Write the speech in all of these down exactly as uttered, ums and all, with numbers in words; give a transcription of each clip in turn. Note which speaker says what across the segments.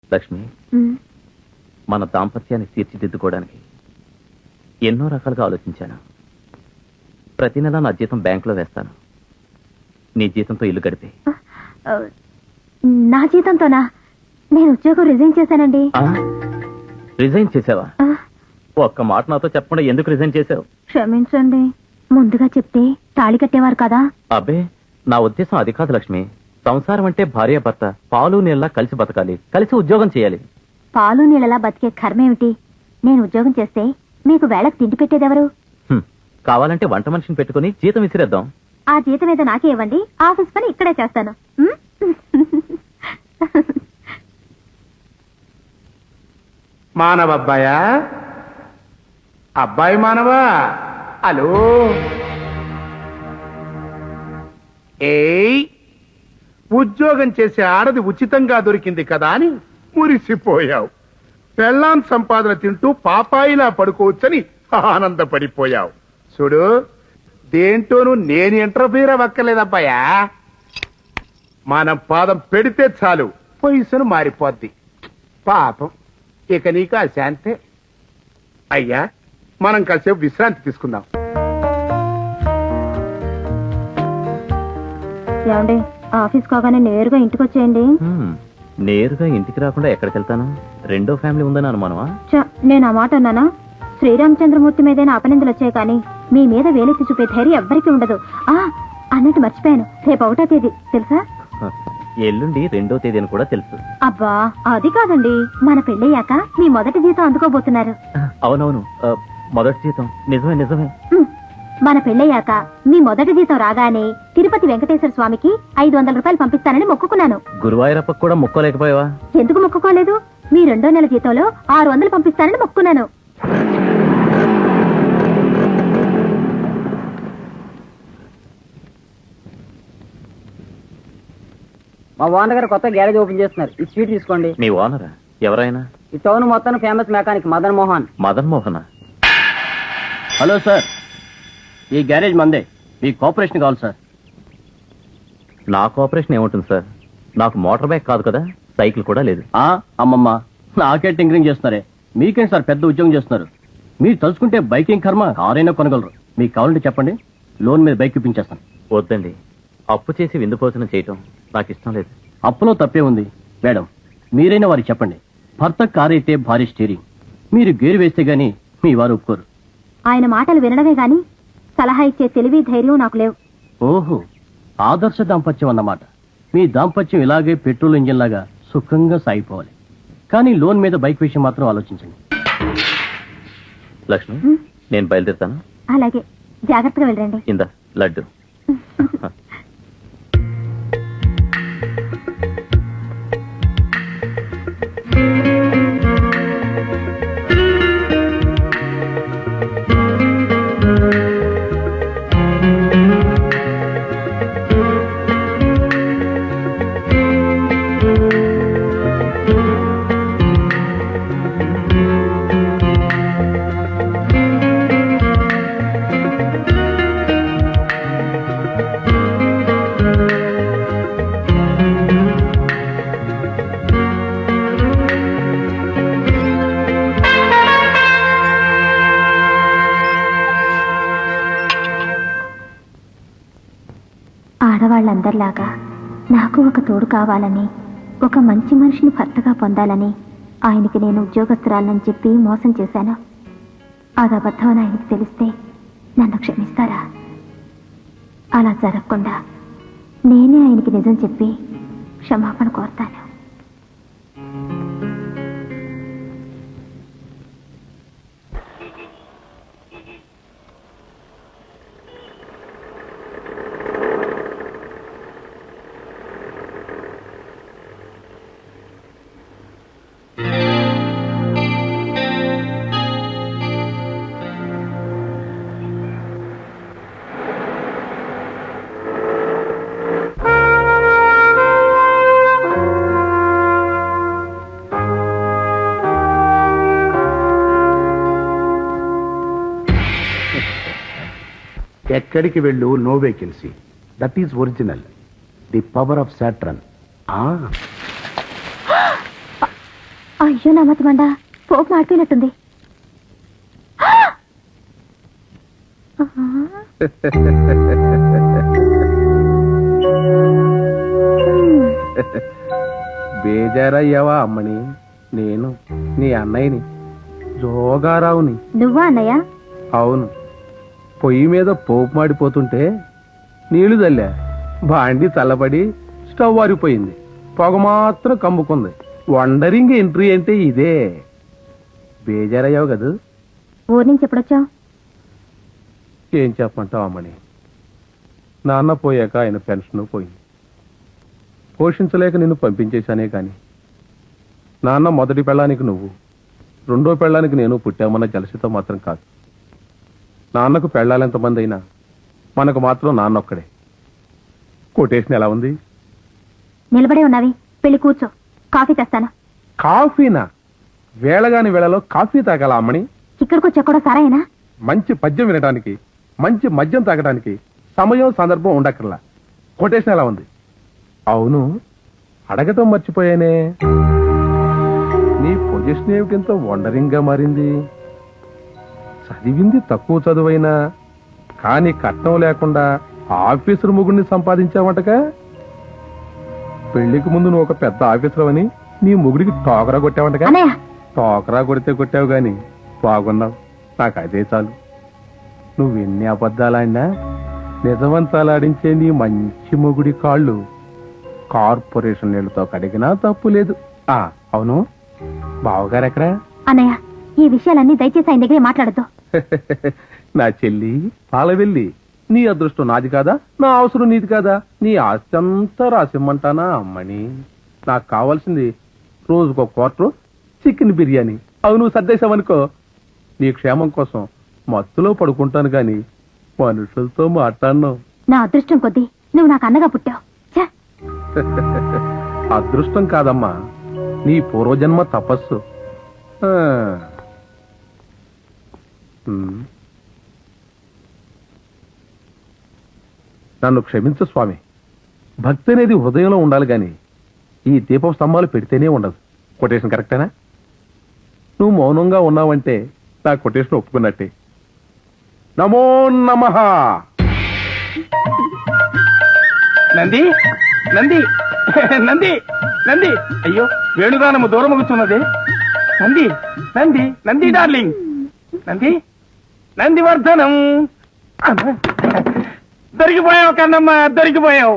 Speaker 1: లక్ష్మి, మన దాంపత్యాన్ని తీర్చిదిద్దుకోవడానికి ఎన్నో రకాలుగా ఆలోచించాను. ప్రతి నెల నా జీతం బ్యాంకులో వేస్తాను. నీ జీతంతో ఇల్లు గడిపే.
Speaker 2: నా జీతంతోనా? నేను ఉద్యోగం రిజైన్ చేశానండి.
Speaker 1: రిజైన్ చేసావా? ఒక్క మాట నాతో చెప్పకుండా ఎందుకు రిజైన్ చేసావు?
Speaker 2: క్షమించండి, ముందుగా చెప్తే తాళి కట్టేవారు కదా.
Speaker 1: అబ్బే, నా ఉద్దేశం అది కాదు లక్ష్మి. సంసారం అంటే భార్య భర్త పాలు నీళ్ళ కలిసి బతకాలి, కలిసి ఉద్యోగం చేయాలి.
Speaker 2: పాలు నీళ్ళలా బతికే కర్మేమిటి? నేను ఉద్యోగం చేస్తే మీకు వేళకు తిండి పెట్టేదెవరు?
Speaker 1: కావాలంటే వంట మనిషిని పెట్టుకుని జీతం విసిరేద్దాం.
Speaker 2: ఆ జీతం ఏదో నాకే ఇవ్వండి, ఆఫీస్ పని ఇక్కడే చేస్తాను.
Speaker 3: మానవ అబ్బాయా? అబ్బాయి మానవా? హలో. ఏయ్, ఉద్యోగం చేసే ఆడది ఉచితంగా దొరికింది కదా అని మురిసిపోయావు. పెళ్ళాం సంపాదన తింటూ పాపాయిలా పడుకోవచ్చని ఆనందపడిపోయావు. చూడు, దేంటోనూ నేను ఇంటర్ఫీర్ అవ్వక్కర్లేదబ్బాయా. మనం పాదం పెడితే చాలు పొజిషన్ మారిపోద్ది. పాపం, ఇక నీకు ఆ శాంతే. అయ్యా, మనం కాసేపు విశ్రాంతి తీసుకుందాం.
Speaker 2: ఏమండి, ఆఫీస్ కాగానే నేరుగా ఇంటికి వచ్చేయండి.
Speaker 1: నేరుగా ఇంటికి రాకుండా ఎక్కడికి వెళ్తాను? రెండో ఫ్యామిలీ ఉందని అనుమానమా?
Speaker 2: నేను ఆ మాట అన్నానా? శ్రీరామచంద్రమూర్తి మీదైనా అపనిందలు వచ్చాయి కానీ మీ మీద వేలెత్తి చూపే ధైర్యం ఎవ్వరికీ ఉండదు. ఆ అన్నట్టు మర్చిపోయాను, రేపు ఒకటో తేదీ తెలుసా?
Speaker 1: ఎల్లుండి రెండో తేదీ అని కూడా తెలుసు.
Speaker 2: అబ్బా, అది కాదండి, మన పెళ్ళయ్యాక మీ మొదటి జీతం అందుకోబోతున్నారు.
Speaker 1: అవునవును, మొదటి జీతం. నిజమే నిజమే.
Speaker 2: మన పెళ్ళయ్యాక మీ మొదటి జీతం రాగానే తిరుపతి వెంకటేశ్వర స్వామికి ఐదు వందల రూపాయలు పంపిస్తానని మొక్కుకున్నాను.
Speaker 1: గురువాయూరప్ప కూడా మొక్కోలేకపోయావా?
Speaker 2: ఎందుకు మొక్కుకోలేదు? మీ రెండో నెల జీతంలో ఆరు వందలు పంపిస్తానని మొక్కున్నాను.
Speaker 4: మా ఓనర్ గారు కొత్త గ్యారేజ్ ఓపెన్ చేస్తున్నారు. ఈ స్వీట్ తీసుకోండి.
Speaker 1: మీ ఓనరా? ఎవరైనా?
Speaker 4: ఈ టౌన్ మొత్తం famous mechanic Madan Mohan.
Speaker 1: Madan Mohan?
Speaker 5: Hello sir, ఈ గ్యారేజ్ మందే. మీ కోఆపరేషన్ కావాలి సార్.
Speaker 1: నా కోఆపరేషన్ ఏముంటుంది సార్? నాకు మోటార్ బైక్ కాదు కదా, సైకిల్ కూడా లేదు.
Speaker 5: ఆ అమ్మమ్మ, నాకే టింకరింగ్ చేస్తున్నారే. మీకేంటి సార్ పెద్ద ఉద్యోగం చేస్తున్నారు? మీరు తలుచుకుంటే బైకింగ్ కర్మ కారైనా కొనగలరు. మీకు కావాలంటే చెప్పండి, లోన్ మీద బైక్ ఇప్పించేస్తాను.
Speaker 1: వద్దండి, అప్పు చేసి విందు భోజనం చేయటం నాకు ఇష్టం లేదు.
Speaker 5: అప్పులో తప్పే ఉంది మేడం. మీరైనా వారికి చెప్పండి, భర్త కారైతే భారీ స్టీరింగ్. మీరు గేరు వేస్తే గానీ మీ వారు ఒప్పుకోరు.
Speaker 2: ఆయన మాటలు వినడమే గాని సలహా ఇచ్చే తెలివి ధైర్యం నాకు లేవు.
Speaker 5: ఓహో, ఆదర్శ దాంపత్యం అన్నమాట. మీ దాంపత్యం ఇలాగే పెట్రోల్ ఇంజిన్ లాగా సుఖంగా సాగిపోవాలి. కానీ లోన్ మీద బైక్ విషయం మాత్రం ఆలోచించండి.
Speaker 1: లక్ష్మి, నేను బయలుదేరుతాను.
Speaker 2: అలాగే, జాగ్రత్తగా వెళ్ళండి.
Speaker 1: ఇందా లడ్డు.
Speaker 2: ఆడవాళ్ళందరిలాగా నాకు ఒక తోడు కావాలని, ఒక మంచి మనిషిని భర్తగా పొందాలని ఆయనకి నేను ఉద్యోగస్తురాలని చెప్పి మోసం చేశాను. అది అబద్ధమని ఆయనకి తెలిస్తే నన్ను క్షమిస్తారా? అలా జరగకుండా నేనే ఆయనకి నిజం చెప్పి క్షమాపణ కోరుతాను.
Speaker 3: ఎక్కడికి వెళ్ళు, no vacancy. That is original. The power of Saturn.
Speaker 2: అయ్యో నా మతి మండ పోపు మాడిపోయినట్టుంది.
Speaker 3: బేజారయ్యావా అమ్మని? నేను నీ అన్నయ్యని, జోగారావుని.
Speaker 2: నువ్వా అన్నయ్య?
Speaker 3: అవును. పొయ్యి మీద పోపు మాడిపోతుంటే నీళ్లు చల్లా, బాండి చల్లబడి స్టవ్ ఆరిపోయింది, పొగ మాత్రం కమ్ముకుంది. వండరింగ్ ఎంట్రీ అంటే ఇదే. బేజారయ్యావు కదూ?
Speaker 2: ఊరి నుంచి ఎప్పుడొచ్చావు?
Speaker 3: ఏం చెప్పమంటావు అమ్మని, నాన్న పోయాక ఆయన పెన్షన్ పోయింది. పోషించలేక నిన్ను పంపించేశానే కాని నాన్న మొదటి పెళ్ళానికి నువ్వు, రెండో పెళ్ళానికి నేను పుట్టామన్న జలసితో మాత్రం కాదు. నాన్నకు పెళ్ళాలెంతమంది అయినా మనకు మాత్రం నాన్న ఒక్కడే. కొటేషన్ ఎలా ఉంది?
Speaker 2: నిలబడే ఉన్నావి, పెళ్లి కూర్చో, కాఫీ తెస్తాను.
Speaker 3: కాఫీనా? వేళగాని వేళలో కాఫీ తాగాల అమ్మని?
Speaker 2: ఇక్కడికి వచ్చా కూడా సరేనా?
Speaker 3: మంచి పద్యం వినడానికి, మంచి మద్యం తాగడానికి సమయం సందర్భం ఉండక్కర్లా. కొటేషన్ ఎలా ఉంది? అవును, అడగటం మర్చిపోయానే, నీ పొజిషన్ ఏమిటింత వండరింగ్ గా మారింది? చదివింది తక్కువ చదువైనా కానీ కట్నం లేకుండా ఆఫీసర్ ముగుడిని సంపాదించావంటగా. పెళ్లికి ముందు నువ్వు ఒక పెద్ద ఆఫీసర్ అని నీ ముగుడికి టోకరా కొట్టావంటగా.
Speaker 2: అన్నయ్య
Speaker 3: టోకరా కొడితే కొట్టావు గాని బాగున్నావు, నాకు అదే చాలు. నువ్వెన్ని అబద్ధాలాడినా నిజవంతాలాడించే నీ మంచి మొగుడి కాళ్ళు కార్పొరేషన్ నీళ్లతో కడిగినా తప్పు లేదు. ఆ అవును, బావగారు ఎక్కడా?
Speaker 2: అన్నయ్య ఈ విషయాలన్నీ దయచేసి ఆయన దగ్గరే మాట్లాడద్దు.
Speaker 3: నా చెల్లి పాలవెల్లి, నీ అదృష్టం నాది కాదా, నా అవసరం నీది కాదా? నీ ఆస్తి అంతా రాసిమ్మంటానా అమ్మని? నాకు కావాల్సింది రోజుకో క్వార్టర్ చికెన్ బిర్యానీ. అవి నువ్వు సర్దేశావనుకో నీ క్షేమం కోసం మత్తులో పడుకుంటాను గాని మనుషులతో మాట్లాడను.
Speaker 2: నా అదృష్టం కొద్దీ నువ్వు నాకు అన్నగా పుట్టావు. ఛ!
Speaker 3: అదృష్టం కాదమ్మా, నీ పూర్వజన్మ తపస్సు. ఆ. ఉమ్. నన్ను క్షమించు స్వామి, భక్తి అనేది హృదయంలో ఉండాలి గాని ఈ దీపం స్తంభాలు పెడితేనే ఉండదు. కొటేషన్ కరెక్టేనా? నువ్వు మౌనంగా ఉన్నావంటే నా కొటేషన్ ఒప్పుకున్నట్టే. నమో నమః.
Speaker 6: నంది నంది నంది నంది అయ్యో వేణుగానము దూరం కూర్చున్నది. నంది నంది నంది డార్లింగ్, నంది నందివర్ధనం. దొరికిపోయావు కన్నమ్మ, దొరికిపోయావు.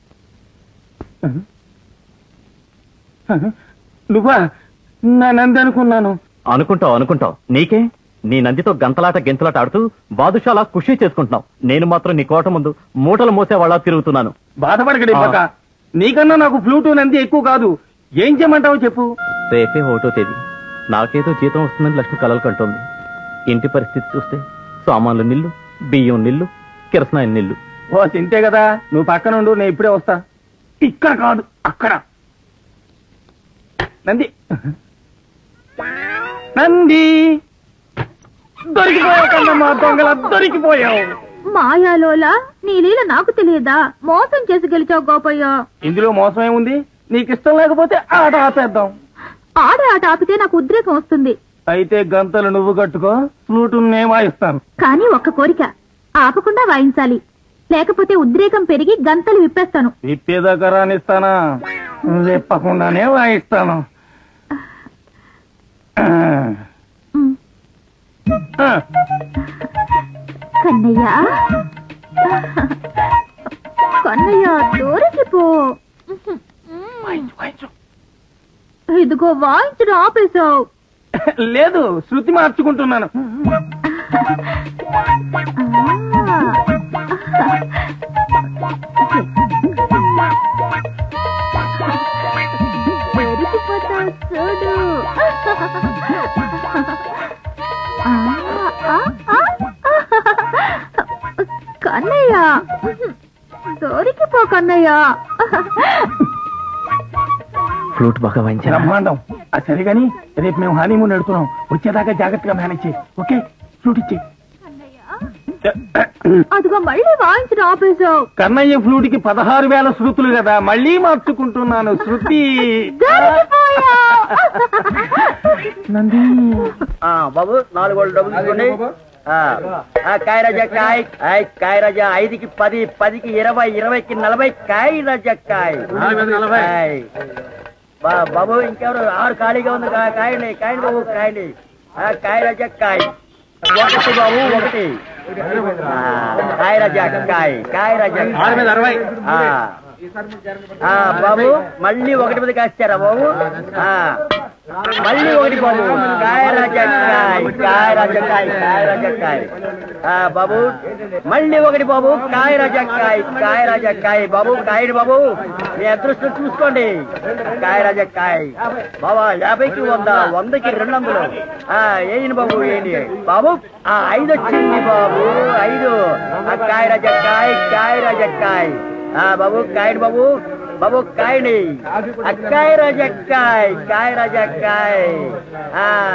Speaker 6: నువ్వా? నా నంది అనుకున్నాను.
Speaker 1: అనుకుంటావు అనుకుంటావు నీకే. నీ నందితో గంతలాట గెంతలాట ఆడుతూ బాదుషాలా ఖుషి చేసుకుంటున్నావు. నేను మాత్రం నీ కోట ముందు మూటలు మోసేవాళ్ళ తిరుగుతున్నాను.
Speaker 6: బాధపడకడి పక్క, నీకన్నా నాకు ఫ్లూటు నంది ఎక్కువ కాదు. ఏం చేయమంటావు చెప్పు.
Speaker 1: రేపే ఒకటో తేదీ. నాకేదో జీతం వస్తుందని లక్ష్మి కలలు కంటోంది. ఇంటి పరిస్థితి చూస్తే సామాన్లు నిల్లు, బియ్యం నిల్లు, కిరసనాయిలు నిల్లు.
Speaker 6: ఓ తింటే కదా, నువ్వు పక్కనుండు, నేను ఇప్పుడే వస్తా. ఇక్కడ కాదు అక్కడ. నంది నంది దొరికిపోయావు కన్నమ్మ, దొంగల దొరికిపోయావు.
Speaker 2: మాయాలోలా నీ లీల నాకు తెలియదా? మోసం చేసి గెలిచావు గోపయ్య.
Speaker 6: ఇందులో మోసం ఏముంది? నీకు ఇష్టం లేకపోతే ఆట ఆపేద్దాం.
Speaker 2: ఆడే ఆట ఆపితే నాకు ఉద్రేకం వస్తుంది.
Speaker 6: అయితే గంతలు నువ్వు కట్టుకో, ఫ్లూటు నేను వాయిస్తాను.
Speaker 2: కానీ ఒక్క కోరిక, ఆపకుండా వాయించాలి, లేకపోతే ఉద్రేకం పెరిగి గంతలు విప్పేస్తాను.
Speaker 6: విప్పేదాకా రానిస్తానా? విప్పకుండానే వాయిస్తాను.
Speaker 2: ఉమ్.
Speaker 6: ఆ.
Speaker 2: కన్నయ్య కన్నయ్య దూరకిపో.
Speaker 6: వాయించు, వాయించు.
Speaker 2: ఇదిగో వాయించడం ఆపేశావు.
Speaker 6: లేదు, శృతి మార్చుకుంటున్నాను.
Speaker 2: దొరికిపోతావు చూడు. ఆ, ఆ, ఆ. కన్నయ్య దొరికిపో కన్నయ్య.
Speaker 1: ఫ్లూట్ బాగా వాయించాను.
Speaker 6: బ్రహ్మాండం. ఆ సరే గాని రేపు మేము హనీమూన్ ఎడుతున్నాం. వచ్చేదాకా జాగ్రత్తగా మేనేజ్ చేయి. ఓకే, ఫ్లూట్ ఇచ్చి.
Speaker 2: అదిగో మళ్ళీ వాయించడం ఆపేశావు.
Speaker 6: కన్నయ్య ఫ్లూట్ కి పదహారు వేల శృతులు కదా, మళ్ళీ మార్చుకుంటున్నాను శృతి.
Speaker 2: దొరికిపోయావు.
Speaker 6: వచ్చేస్తుందండి
Speaker 4: బాబు నాలుగు వాళ్ళు డబ్బులు తీసుకోండి ఆ, ఆ, కాయ రాజా కాయ్ ఆయ్, కాయ రాజా ఐదుకి పది పదికి ఇరవై ఇరవైకి నలభై కాయ రాజా కాయ్ ఆయ్. బా- బాబు ఇంకెవరు ఆరు ఖాళీగా ఉంది కా- కాయండి కాయండి బాబు కాయండి ఆ, కాయ రాజా కాయ్ ఒకటి బాబు ఒకటి ఆ, కాయ రాజా కాయ్ కాయ రాజా కాయ్. ఆ. ఆ, బాబు మళ్ళీ ఒకటి మీద కాస్తారా బాబు ఆ, మళ్ళీ ఒకటి బాబు కాయ రాజా కాయ్ కాయ రాజా కాయ్ కాయ రాజా కాయ్. ఆ, బాబు మళ్ళీ ఒకటి బాబు కాయ రాజా కాయ్ కాయ రాజా కాయ్ బాబు కాయని బాబు మీ అదృష్టం చూసుకోండి కాయ రాజా కాయ్ బాబా యాభైకి వంద వందకి రెండు వందలు ఆ ఏంటి బాబు ఏంటి బాబు ఆ ఐదు వచ్చింది బాబు ఐదు ఆ కాయ రాజా కాయ్ కాయ రాజా కాయ్. ఆ బాబు కాయని బాబు బాబు కాయని కాయ రాజా కాయ్ కాయ రాజా కాయ్. ఆ